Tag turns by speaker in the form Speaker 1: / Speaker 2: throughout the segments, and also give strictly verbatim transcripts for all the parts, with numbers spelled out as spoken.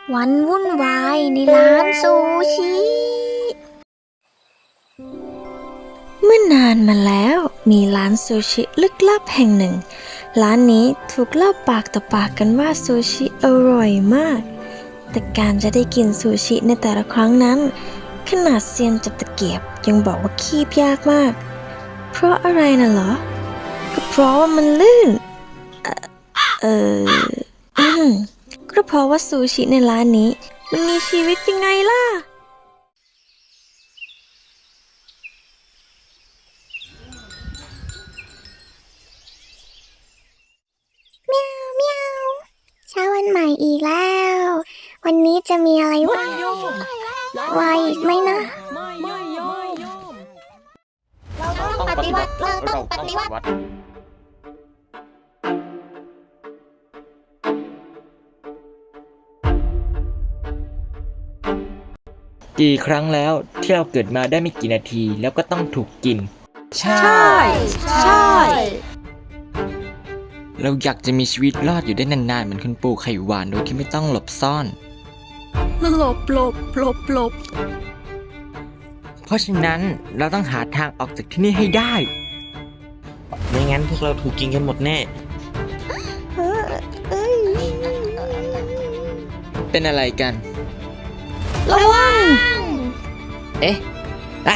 Speaker 1: วันวุ่นวายในร้านซูชิ เมื่อนานมาแล้วมีร้านซูชิลึกลับแห่งหนึ่งร้านนี้ถูกเล่าปากต่อปากกันว่าซูชิอร่อยมากแต่การจะได้กินซูชิในแต่ละครั้งนั้นขนาดเซียนจับตะเกียบยังบอกว่าคีบยากมากเพราะอะไรน่ะเหรอก็เพราะว่ามันลื่น เอ่อเอออืมก็เพราะว่าซูชิในร้านนี้มันมีชีวิตยังไงล่ะเมียวเมียวเช้าวันใหม่อีกแล้ววันนี้จะมีอะไรวะวายอีกไหมนะเราต้องปฏิวัติเราต้องปฏิวัติ
Speaker 2: กี่ครั้งแล้วที่เราเกิดมาได้ไม่กี่นาทีแล้วก็ต้องถูกกินใช่
Speaker 1: ใช่
Speaker 2: เราอยากจะมีชีวิตรอดอยู่ได้นานๆเหมือนคุณปู่ไข่หวานโดยที่ไม่ต้องหลบซ่อน
Speaker 3: หลบหลบหลบหลบ
Speaker 2: เพราะฉะนั้นเราต้องหาทางออกจากที่นี่ให้ได้
Speaker 4: ไม่งั้นพวกเราถูกกินกันหมดแน่
Speaker 2: เป็นอะไรกัน
Speaker 1: ระวัง
Speaker 2: เอ๊ะอ้า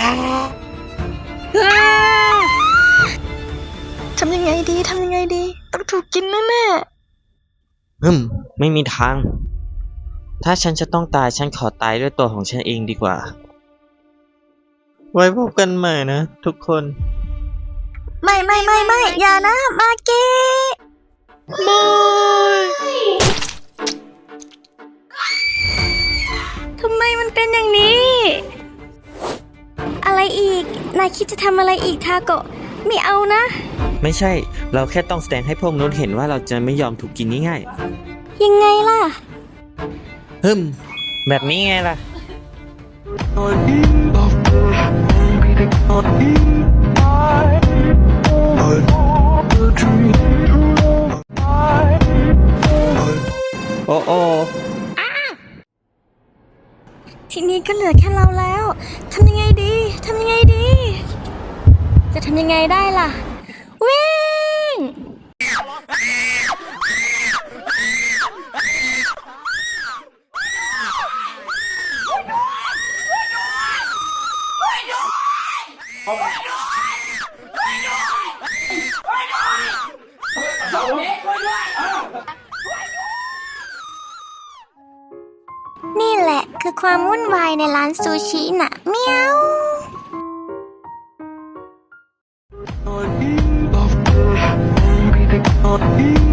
Speaker 1: ทำยังไงดีทำยังไงดีต้องถูกกินแน่
Speaker 4: ฮึมไม่มีทาง ถ้าฉันจะต้องตายฉันขอตายด้วยตัวของฉันเองดีกว่า ไว้พบกันใหม่นะทุกคน
Speaker 1: ๆไม่ไม่ไม่ไม่อย่านะมาเกะไม่ทำไมมันเป็นอย่างนี้ อะไรอีกนายคิดจะทำอะไรอีกทาโกะไม่เอานะ
Speaker 4: ไม่ใช่ เราแค่ต้องแสดงให้พวกนู้นเห็นว่าเราจะไม่ยอมถูกกินง่าย
Speaker 1: ยังไงล่ะ
Speaker 4: ๆฮึมแบบนี้ไงล่ะ โอ้โอ
Speaker 1: ทีนี้ก็เหลือแค่เราแล้วทำยังไงดีทำยังไงดี จะทำยังไงได้ล่ะ วิ่งนี่แหละคือความวุ่นวายในร้านซูชิน่ะเมียว
Speaker 5: Love, baby,